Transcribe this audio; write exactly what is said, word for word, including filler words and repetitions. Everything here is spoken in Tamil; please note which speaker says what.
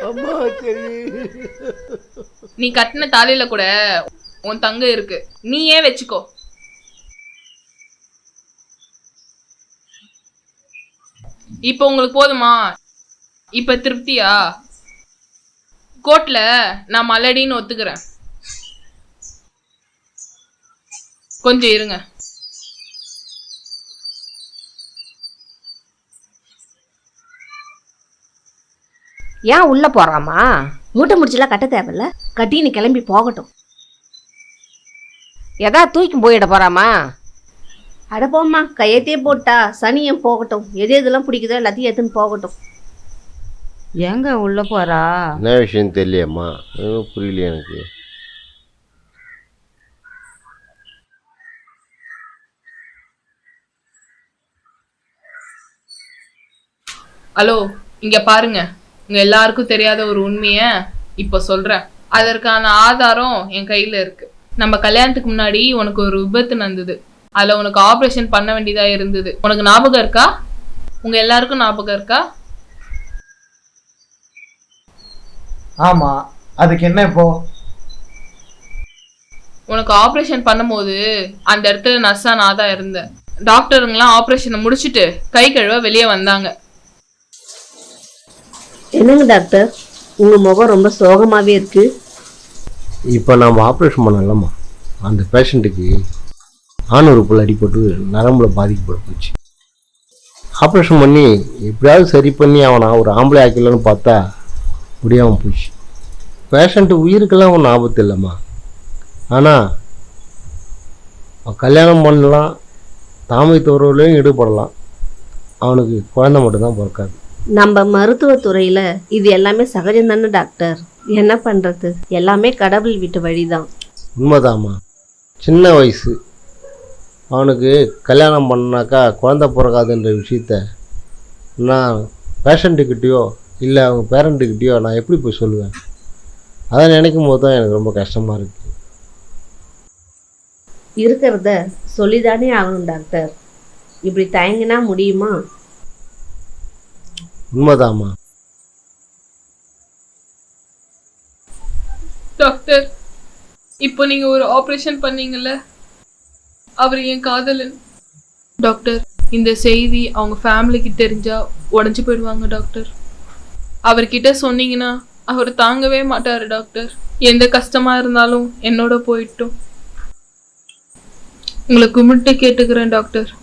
Speaker 1: அம்மா சரி.
Speaker 2: நீ கட்டின தாலியில கூட உன் தங்க இருக்கு, நீ ஏன் வச்சுக்கோ. இப்ப உங்களுக்கு போதுமா? இப்ப திருப்தியா? கோர்ட்ல நான் மலடின்னு ஒத்துக்கிறேன். கொஞ்சம் இருங்க.
Speaker 3: ஏன் உள்ள போறாமா? மூட்டை முடிச்செல்லாம் கட்ட தேவையில்ல, கட்டின்னு கிளம்பி போகட்டும். எதா தூக்கி போயிட போறாமா? அட போம்மா, கையத்தையே போட்டா சனியம் போகட்டும். எது எதெல்லாம் பிடிக்குதோ எல்லாத்தையும் எடுத்துன்னு போகட்டும்.
Speaker 4: எங்க உள்ள போறா?
Speaker 1: என்ன விஷயம் தெரியலையம்மா, எதுவும் புரியலையே எனக்கு.
Speaker 2: ஹலோ, இங்க பாருங்க. உங்க எல்லாருக்கும் தெரியாத ஒரு உண்மைய இப்ப சொல்றேன். அதற்கான ஆதாரம் என் கையில இருக்கு. நம்ம கல்யாணத்துக்கு முன்னாடி உனக்கு ஒரு விபத்து நடந்தது. அதுல உனக்கு ஆபரேஷன் பண்ண வேண்டியதா இருந்தது. உனக்கு ஞாபகம் இருக்கா? உங்க எல்லாருக்கும் ஞாபகம் இருக்கா?
Speaker 5: ஆமா, அதுக்கு என்ன இப்போ?
Speaker 2: உனக்கு ஆபரேஷன் பண்ணும்போது அந்த இடத்துல நர்ஸா நான் தான் இருந்தேன். டாக்டருங்களாம் ஆபரேஷனை முடிச்சுட்டு கை கழுவ வெளியே வந்தாங்க.
Speaker 3: என்னங்க டாக்டர், உங்க முகம் ரொம்ப சோகமாவே இருக்கு.
Speaker 1: இப்போ நம்ம ஆப்ரேஷன் பண்ணலாமா? அந்த பேஷண்ட்டுக்கு ஆண் உறுப்பில் அடிபட்டு நரம்புல பாதிக்கப்பட போச்சு. ஆப்ரேஷன் பண்ணி எப்படியாவது சரி பண்ணி அவனை ஒரு ஆம்பளை ஆக்கலன்னு பார்த்தா முடியாமல் போச்சு. பேஷண்ட்டு உயிருக்கெல்லாம் ஒன்றும் ஆபத்து இல்லைம்மா. ஆனால் அவன் கல்யாணம் பண்ணலாம், தாமை துறவுலையும் ஈடுபடலாம், அவனுக்கு குழந்தை மட்டும்தான் பிறக்காது.
Speaker 3: நம்ம மருத்துவத்துறையில இது எல்லாமே சகஜம் தானே டாக்டர்? என்ன பண்றது, எல்லாமே கடவுள் விட்டு வழிதான்.
Speaker 1: உண்மைதாம்மா. சின்ன வயசு அவனுக்கு கல்யாணம் பண்ணாக்கா குழந்தை பிறக்காதுன்ற விஷயத்த நான் பேஷண்ட்டுக்கிட்டேயோ இல்லை அவங்க பேரண்ட்டுக்கிட்டேயோ நான் எப்படி போய் சொல்லுவேன்? அதை நினைக்கும் போது தான் எனக்கு ரொம்ப கஷ்டமாக இருக்குது.
Speaker 3: இருக்கிறத சொல்லிதானே ஆகணும் டாக்டர். இப்படி தயங்கினா முடியுமா?
Speaker 1: உண்மைதாம்மா.
Speaker 2: டாக்டர், இப்போ நீங்க ஒரு ஆபரேஷன் பண்ணீங்கல்ல, அவர் என் காதலன். டாக்டர், இந்த செய்தி அவங்க ஃபேமிலிக்கு தெரிஞ்சா உடஞ்சு போயிடுவாங்க டாக்டர். அவர்கிட்ட சொன்னீங்கன்னா அவர் தாங்கவே மாட்டாரு டாக்டர். எந்த கஷ்டமா இருந்தாலும் என்னோட போயிட்டும். உங்களை கும்பிட்டு கேட்டுக்கிறேன் டாக்டர்.